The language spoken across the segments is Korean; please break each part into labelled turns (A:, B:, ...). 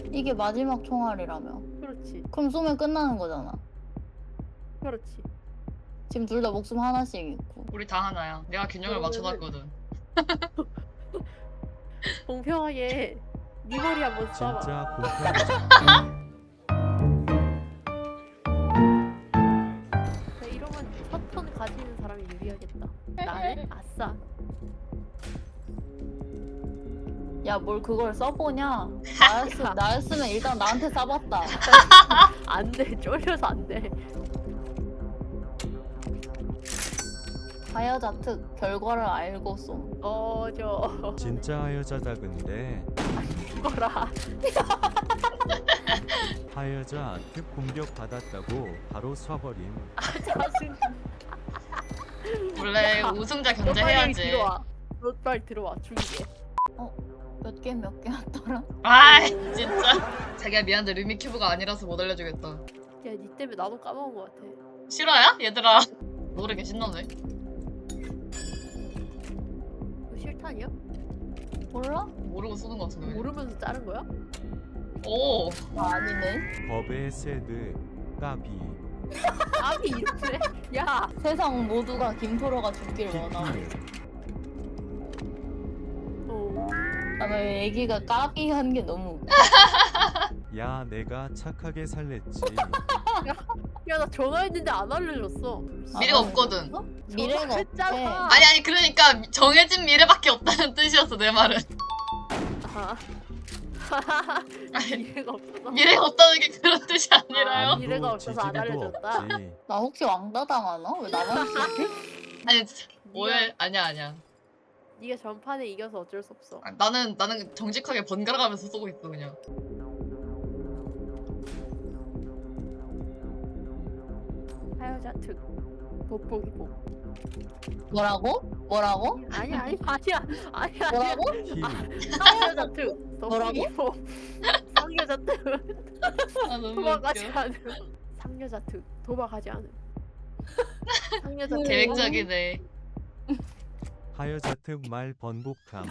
A: 이게 마지막 총알이라며.
B: 그렇지.
A: 그럼 쏘면 끝나는 거잖아.
B: 그렇지.
A: 지금 둘 다 목숨 하나씩 있고.
C: 우리 다 하나야. 내가 균형을
B: 그러면은-
C: 맞춰놨거든.
B: 공평하게 네 머리 한번 쏴봐.
D: 진짜 공평하다.
B: 이러면 첫 턴 가지는 사람이 유리하겠다. 나는 아싸.
A: 야, 뭘 그걸 써보냐? 나였으면 일단 나한테 쏴봤다.
B: 안 돼. 쫄려서 안 돼.
A: 하여자 특 결과를 알고 쏘.
B: 저
D: 진짜 여자다 근데
B: 거라.
D: 하여자 특 공격 받았다고 바로 쏴버림.
B: 짜증.
C: 원래
B: 야,
C: 우승자
B: 너 빨리
C: 견제해야지.
B: 들어와. 너 빨리 들어와. 죽이게.
A: 몇 개 왔더라?
C: 아이 진짜. 자기야 미안한데 루미 큐브가 아니라서 못 알려주겠다.
B: 야, 니 때문에 나도 까먹은 것 같아.
C: 실화야? 얘들아. 노래 신나네.
B: 이거 실탄이야?
A: 몰라?
C: 모르고 쏘는 거 같은데.
B: 모르면서 자른 거야?
C: 오.
A: 아니네.
D: 법의 세드 까비
B: 아니 이렇게? 야,
A: 세상 모두가 김토로가 죽길 원하고.
D: 키키
A: 나는 애기가 까비 한 게 너무.
D: 야 내가 착하게 살랬지.
B: 야, 나 전화했는데 안 알려줬어.
C: 미래가
A: 아,
C: 없거든.
A: 미래가 없대.
B: 전화했잖아.
C: 아니 그러니까 정해진 미래밖에 없다는 뜻이었어 내 말은.
B: 아.
C: 아니,
B: 미래가 없어서.
C: 미래가 없다는 게 그런 뜻이 아니라요.
B: 아, 미래가
D: 아무도
B: 없어서 안
D: 지지리도
B: 알려줬다.
D: 없지.
A: 나 혹시 왕따 당하나? 왜 나만 쓰지?
C: 아니 오해 아니야.
B: 네가 전판에 이겨서 어쩔 수 없어.
C: 아, 나는 정직하게 번갈아 가면서 쏘고 있어 그냥.
B: 하여자 특 돋보기 보.
A: 뭐라고? 뭐라고?
B: 아니야.
A: 뭐라고?
D: 힐
B: 하여자 특 돋보기
A: 뭐라고?
B: 보. 상여자 특
C: 아 너무
B: 도망가지
C: 웃겨.
B: 않음. 상여자 특 도망가지 않음. 상여자 특
C: 계획적이네.
D: 하여자 특 말 번복함.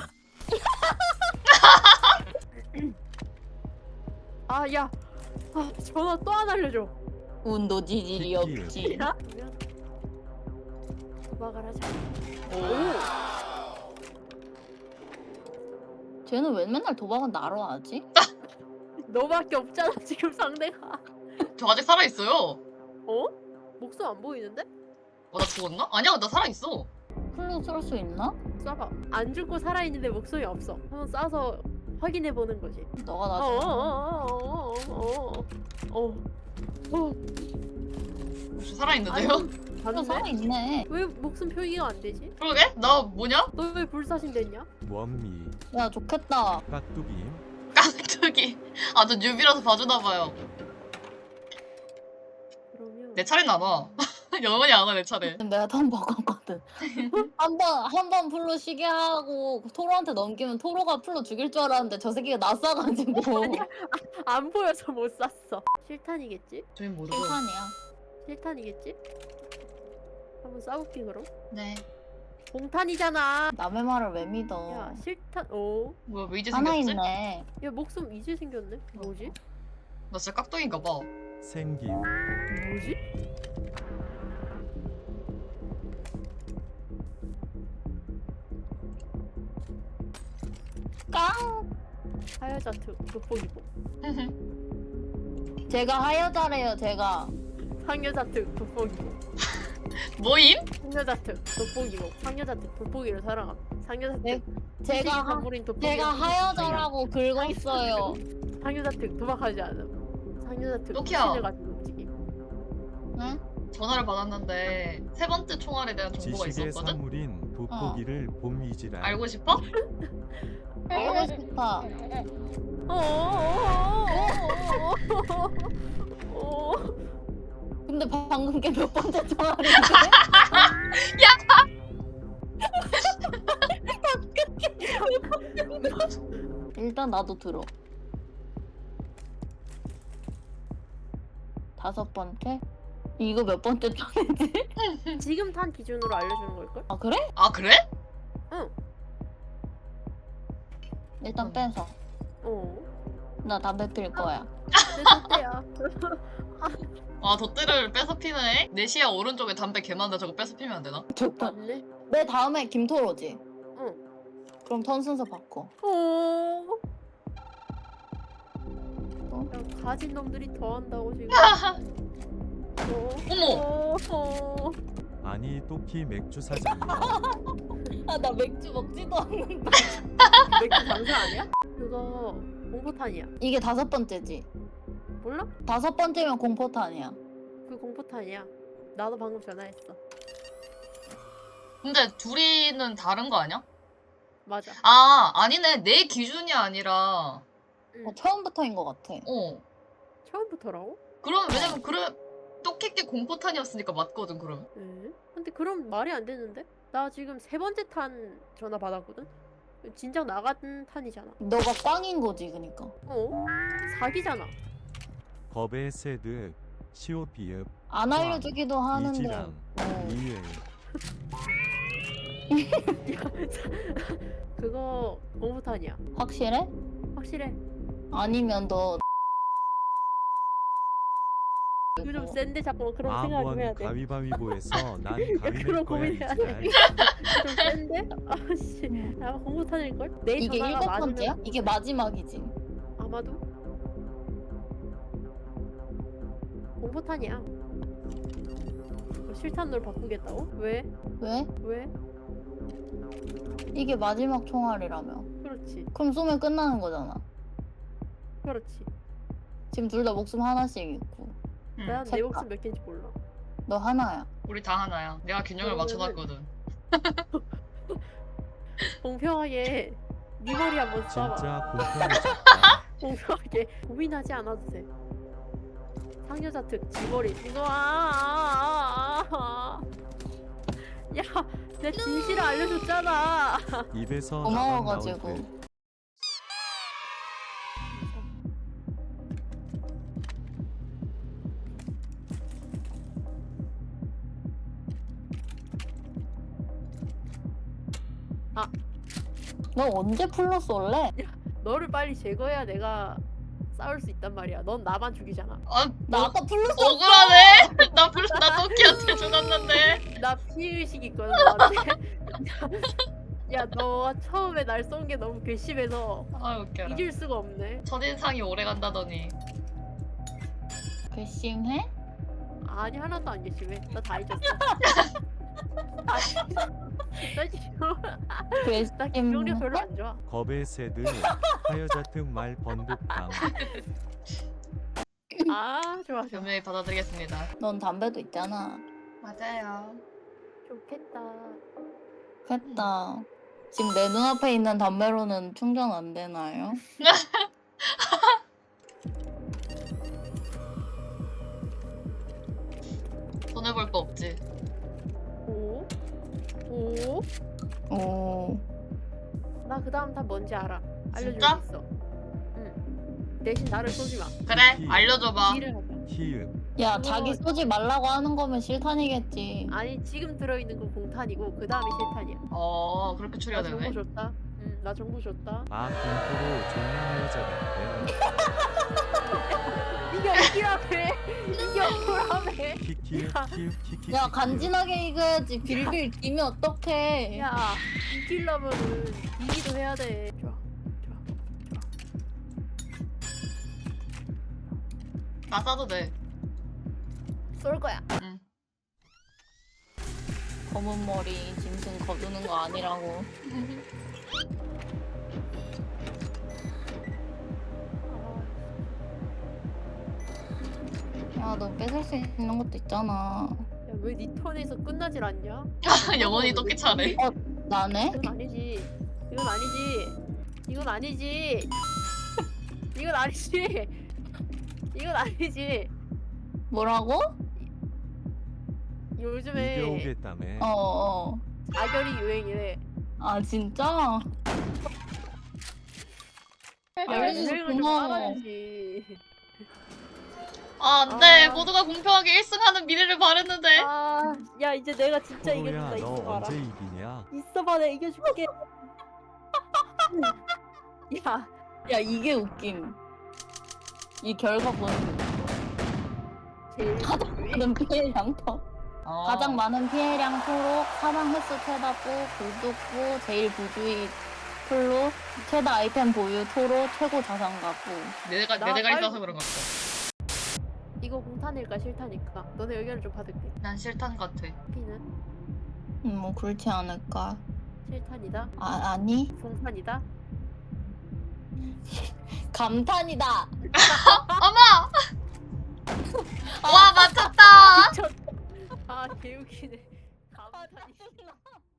B: 아, 야. 아, 전화 또 안 알려줘.
A: 운도 지질이
D: 키키.
A: 없지.
B: 야? 도망가라 자.
C: 오.
A: 쟤는 왜 맨날 도박은 나로 하지?
B: 너밖에 없잖아 지금 상대가.
C: 저 아직 살아 있어요.
B: 어? 목숨 안 보이는데?
C: 나 죽었나? 아니야 나 살아 있어.
A: 플루 쏠 수 있나?
B: 쏴봐. 안 죽고 살아있는데 목숨이 없어. 한번 쏴서 확인해 보는 거지.
A: 너가 나 좀.
C: 혹시 살아 있는데요?
A: 플루
B: 봤는데?
A: 살아있네.
B: 왜 목숨 표기가 안 되지?
C: 그러게? 나 뭐냐?
B: 너 왜 불사신 됐냐?
D: 원미
A: 야, 좋겠다.
D: 깍두기
C: 깍두기. 아 저 뉴비라서 봐주나봐요.
B: 그러면
C: 내 차례는 안 와. 영원히 안 와 내 차례.
A: 내가 한 번 바꿨거든. 한 번 플루 쉬게 하고 토로한테 넘기면 토로가 플루 죽일 줄 알았는데 저 새끼가 낯싸가지고.
B: 안 보여서 못 쐈어. 실탄이겠지?
C: 저희 모르고.
A: 실탄이야.
B: 실탄이겠지? 한번 쏴볼게 그럼.
C: 네.
B: 공탄이잖아.
A: 남의 말을 왜 믿어?
B: 야 실탄. 오.
C: 뭐야 왜 이제
A: 하나
C: 생겼지?
A: 있네.
B: 야 목숨 이제 생겼네. 뭐지?
C: 나 진짜 깍두기인가 봐.
D: 생김
B: 뭐지?
A: 깡!
B: 하여자 특 돋보기보.
A: 제가 하여자래요, 제가.
B: 상여자 특 돋보기보.
C: 뭐임?
B: 상여자 특 돋보기보. 상여자 특 돋보기를 사랑함. 상여자
A: 네,
B: 특
A: 제가
B: 선물인 돋보기.
A: 제가 하여자라고 긁었어요.
B: 상여자 특 도망가지 않음. 상여자 특
C: 로키야.
B: 신을 가지고 움직임.
A: 응?
C: 전화를 받았는데 세 번째 총알에 대한 정보가
D: 지식의
C: 있었거든?
D: 사물인 돋보기를 봄이지라.
C: 알고 싶어?
A: 알고 싶다. 근데 방금 게 몇 번째 총알인데? 일단 나도 들어. 5번째? 이거 몇 번째 총이지?
B: 지금 탄 기준으로 알려주는 걸걸?
A: 아, 그래?
C: 아 그래?
B: 응.
A: 일단 빼서.
B: 어.
A: 나 담배 필 거야.
B: 내 덕대야.
C: 아 덧대를 뺏어 피네. 내 시야 오른쪽에 담배 개 많은데 저거 뺏어 피면 안 되나?
A: 좋다.
B: 맞네.
A: 내 다음에 김토로지.
B: 응.
A: 그럼 턴 순서 바꿔.
B: 오. 야, 가진 놈들이 더 한다고 지금.
C: 어머!
B: 어.
D: 아니 또키 맥주 사장이야.
A: 아 나 맥주 먹지도 않는데.
B: 맥주 장사 아니야? 그거 공포탄이야.
A: 이게 5번째지.
B: 몰라?
A: 5번째면 공포탄이야.
B: 그 공포탄이야. 나도 방금 전화했어.
C: 근데 둘이는 다른 거 아니야?
B: 맞아.
C: 아 아니네. 내 기준이 아니라
A: 처음부터인 것 같아.
B: 처음부터라고?
C: 그럼 왜냐면 그래 똑키끼 공포탄이었으니까 맞거든 그럼.
B: 에? 근데 그럼 말이 안 되는데? 나 지금 3번째 탄 전화 받았거든? 진작 나간 탄이잖아.
A: 너가 꽝인 거지, 그니까.
B: 어? 사기잖아.
D: 겁의 새드 시오피읍
A: 안 알려주기도 하는데.
D: 이지랑 이을
B: 그거 공포탄이야.
A: 확실해?
B: 확실해.
A: 아니면 너
B: 이거 좀 센데 자꾸 그런 생각 좀 해야
D: 아번
B: 돼.
D: 가위바위보에서 난 가위
B: 그런
D: 낼 거야
B: 고민해야 돼.
D: 이제.
B: 좀 센데? 아씨. 나 공포탄일걸? 내
A: 이게
B: 전화가
A: 7번째야?
B: 맞으면
A: 이게 마지막이지.
B: 아마도 공포탄이야. 실탄으로 바꾸겠다고? 왜?
A: 왜?
B: 왜?
A: 이게 마지막 총알이라며.
B: 그렇지.
A: 그럼 쏘면 끝나는 거잖아.
B: 그렇지.
A: 지금 둘 다 목숨 하나씩 있고.
B: 난 내
A: 색깔.
B: 목숨 몇 개인지 몰라.
A: 너 하나야.
C: 우리 다 하나야. 내가 균형을
B: 그러면은-
C: 맞춰놨거든.
B: 공평하게 네 머리 한번 쏴봐.
D: 진짜 공평해졌다.
B: 공평하게 고민하지 않아도 돼. 상여자 특 지머리 이거 야, 내 진실을 알려줬잖아.
D: 입에서
A: 고마워가지고.
D: 나만 나올 듯.
A: 너 언제 풀로 쏠래?
B: 너를 빨리 제거해야 내가 싸울 수 있단 말이야. 넌 나만 죽이잖아.
C: 아
A: 나 아까 풀로 쏠.
C: 억울하네. 나 토끼한테 죽었는데.
B: 나 피의식 있거든 너한테. 야, 너가 처음에 날 쏜 게 너무 괘씸해서
C: 아 웃겨라.
B: 잊을 수가 없네.
C: 첫인상이 오래 간다더니.
A: 괘씸해?
B: 아니, 하나도 안 괘씸해. 나 다 잊었어. 나 지금 나 기억력 별로
A: 괘씸해?
B: 안 좋아.
D: 겁의 새드 하여자특 말 번득함.
B: 아, 좋아 좋아.
C: 변명히 받아들이겠습니다.
A: 넌 담배도 있잖아.
C: 맞아요.
B: 좋겠다.
A: 됐다. 지금 내 눈앞에 있는 담배로는 충전 안 되나요?
C: 손해볼 거 없지.
B: 오? 오?
A: 오.
B: 나 그 다음 다 뭔지 알아. 알려줄
C: 진짜?
B: 수 있어. 응. 대신 나를 쏘지 마.
C: 그래 알려줘봐.
B: 일을 하자.
D: 히읗
A: 야,
B: 그거-
A: 자기 쏘지 말라고 하는 거면 실탄이겠지.
B: 아니, 지금 들어있는 건 공탄이고 그 다음이 실탄이야.
C: 그렇게
B: 나
C: 추려야
B: 정보
C: 되네.
B: 줬다. 응, 나 정보 줬다.
D: 아 공포로 존나 하여자 같대.
B: 이게 어디라며? 이게 어디라며?
D: 키키
B: 야.
D: 키읔 키키.
A: 야, 간지나게 익어야지. 빌빌 기면 어떡해.
B: 야, 이기려면은 이기도 해야 돼. 좋아.
C: 나 싸도 돼.
B: 쏠 거야.
C: 응.
A: 검은 머리 짐승 거두는 거 아니라고. 야, 너 뺏을 수 있는 것도 있잖아.
B: 야, 왜 네 턴에서 끝나질 않냐?
C: 영원히 토끼 차례.
A: 나네?
B: 이건 아니지. 이건 아니지. 이건 아니지. 이건 아니지. 이건 아니지.
A: 뭐라고?
B: 요즘에
D: 이겨오겠다며.
A: 어.
B: 자결이 유행이래.
A: 아, 진짜?
B: 야,
A: 알려줘서
B: 유행을 좀
A: 고마워.
B: 따라야지.
C: 아 안돼.
B: 아.
C: 모두가 공평하게 1승하는 미래를 바랬는데.
B: 아, 야, 이제 내가 진짜
D: 호로야
B: 이겨준다.
D: 너
B: 있어봐라.
D: 언제 이기냐?
B: 있어봐, 내가 이겨줄게. 야,
A: 야, 이게 웃김. 이 결과 보는
B: 제일
A: 많은 피해량 토. 가장 많은 피해량 토록, 사망 횟수 최다부, 불독부, 제일 부주의 플로, 최다 아이템 보유 토로, 최고 자산가부.
C: 내 대가리 떠서 그런 것 같아.
B: 이거 공탄일까 싫다니까. 너네 의견을 좀 받을게.
C: 난 싫단 같아.
B: 피는
A: 뭐 그렇지 않을까?
B: 실탄이다.
A: 아니?
B: 공탄이다.
A: 감탄이다.
C: 어머! 와 맞췄다.
B: 아 개웃기네. 감탄이.